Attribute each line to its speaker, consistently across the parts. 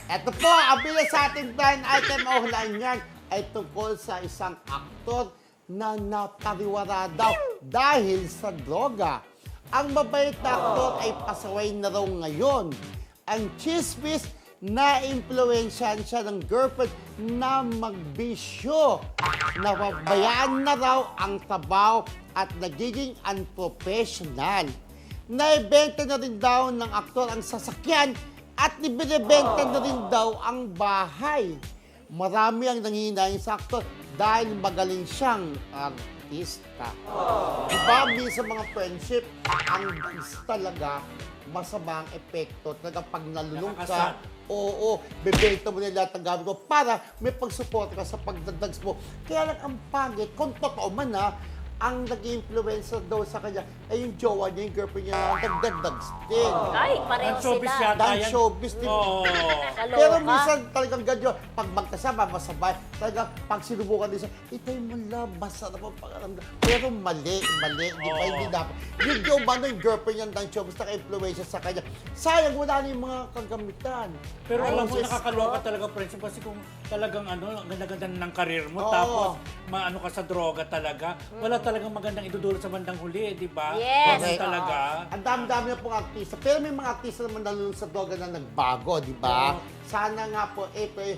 Speaker 1: Eto po, ang bilang sa ating blind item o hulaan yan ay tungkol sa isang aktor na napariwara daw dahil sa droga. Ang mabait na aktor ay pasaway na raw ngayon. Ang chismis na impluwensyahan siya ng girlfriend na magbisyo. Nababayaan na raw ang trabaho at nagiging unprofessional. Naibenta na rin daw ng aktor ang sasakyan at ibinibenta na rin daw ang bahay. Marami ang nanghihinayin sa aktor dahil magaling siyang artista. Diba, minsan mga friendship, ang dance talaga, masama ang epekto. Talaga pag nalulung ka, oo, bebenta mo na lahat ng gamit mo para may pagsuporta ka sa pagdadags mo. Kaya lang ang pangit, kung totoo man ang nag-influencer daw sa kanya ay yung jowa niya, yung girlfriend niya na nagdadags din.
Speaker 2: Ay, pareho
Speaker 3: showbiz
Speaker 2: sila.
Speaker 3: yata
Speaker 1: Dahil
Speaker 3: yan.
Speaker 1: showbiz din.
Speaker 3: Oo.
Speaker 2: Kaloka.
Speaker 1: Pero minsan talagang ganyan, pag magkasama, masabay. Talagang pag sinubukan din siya, itay mo lang, masarap ang pakaramdam. Pero mali, di ba? Hindi dapat. Yung jowa na yung girlfriend niya ng showbiz, naka-influensya sa kanya. Sayang, wala na yung mga kagamitan.
Speaker 3: Pero
Speaker 1: Ay,
Speaker 3: alam mo,
Speaker 1: Diyos
Speaker 3: nakakaloka
Speaker 1: ko.
Speaker 3: talaga, friendship. Kasi kung talagang ang ganda-ganda ng karir mo,
Speaker 1: Oo.
Speaker 3: tapos maano ka sa droga talaga, wala talagang magandang idudulot sa bandang huli, di ba?
Speaker 2: Yes.
Speaker 3: Ganun
Speaker 1: Correct.
Speaker 3: talaga.
Speaker 1: Ang dami-dami na pong artista. Pero may mga artista naman nalulung sa droga na nagbago, di ba?
Speaker 3: Oo.
Speaker 1: Sana nga po,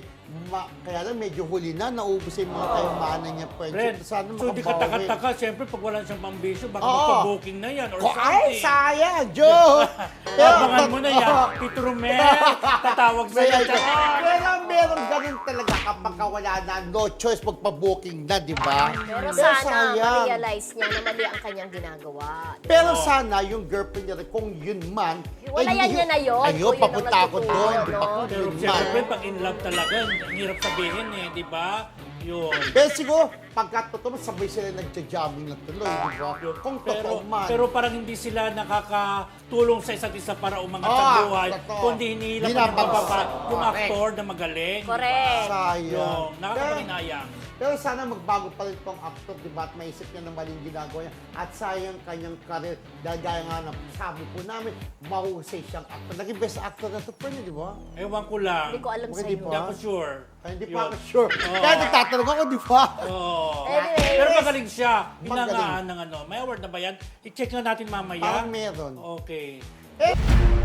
Speaker 1: kaya lang medyo huli na, naubos yung mga kayamanan niya.
Speaker 3: Friend,
Speaker 1: Sana
Speaker 3: so di
Speaker 1: makabawi.
Speaker 3: ka siyempre pag wala siyang pambisyo, baka
Speaker 1: Oo.
Speaker 3: magpa-booking na yan or
Speaker 1: Ay,
Speaker 3: something.
Speaker 1: sayang, Joe!
Speaker 3: Abangan mo na yan. Tito Romel, tatawag sa'yo.
Speaker 1: Pero meron ganun talaga kapag wala na, no choice, magpa-booking na, di ba?
Speaker 2: Pero sana
Speaker 1: sayang.
Speaker 2: ma-realize niya na mali ang kanyang ginagawa. Diba?
Speaker 1: Pero sana yung girlfriend niya rin, kung yun man,
Speaker 2: Wala yan niya na yun.
Speaker 1: Ayun,
Speaker 2: Kung yun ang
Speaker 1: papunta ako
Speaker 2: nagtuturo,
Speaker 1: doon, di ba?
Speaker 2: no?
Speaker 1: Kung
Speaker 3: Pero
Speaker 1: yun
Speaker 3: siyempre,
Speaker 1: man.
Speaker 3: pag in love talaga, ang hirap sabihin di ba? Yun.
Speaker 1: Pero siguro, pagka totoo, sabay sila nagja-jamming na tuloy, di ba? Kung totoo man.
Speaker 3: Pero parang hindi sila nakakatulong sa isa't isa para umangat sa buhay,
Speaker 1: totoo.
Speaker 3: kundi hinihila pa ng
Speaker 1: Binabagsak.
Speaker 3: bababa yung
Speaker 1: Correct.
Speaker 3: aktor na magaling.
Speaker 2: Correct.
Speaker 1: Sayang.
Speaker 3: Yung nakakapaginayang.
Speaker 1: Pero sana magbago pa rin itong actor, di ba? At maisip niya na maling ginagawa niya. At sayang kanyang karir. Dahil gaya nga na sabi po namin, mahusay siyang actor. Naging best actor na ito, friend, di ba?
Speaker 3: Ewan ko lang.
Speaker 2: Hindi ko alam
Speaker 1: Hindi
Speaker 2: sa'yo.
Speaker 1: pa.
Speaker 3: Hindi ako sure.
Speaker 1: Ay, hindi
Speaker 3: Yun.
Speaker 1: pa ako sure.
Speaker 3: Oo.
Speaker 1: Kaya nagtatanong ako, di ba?
Speaker 3: Oo.
Speaker 2: Anyways.
Speaker 3: Pero magaling siya.
Speaker 1: Magaling.
Speaker 3: Hinangaan ng ano. May award na ba yan? I-check na natin mamaya.
Speaker 1: Parang meron.
Speaker 3: Okay.
Speaker 1: Eh,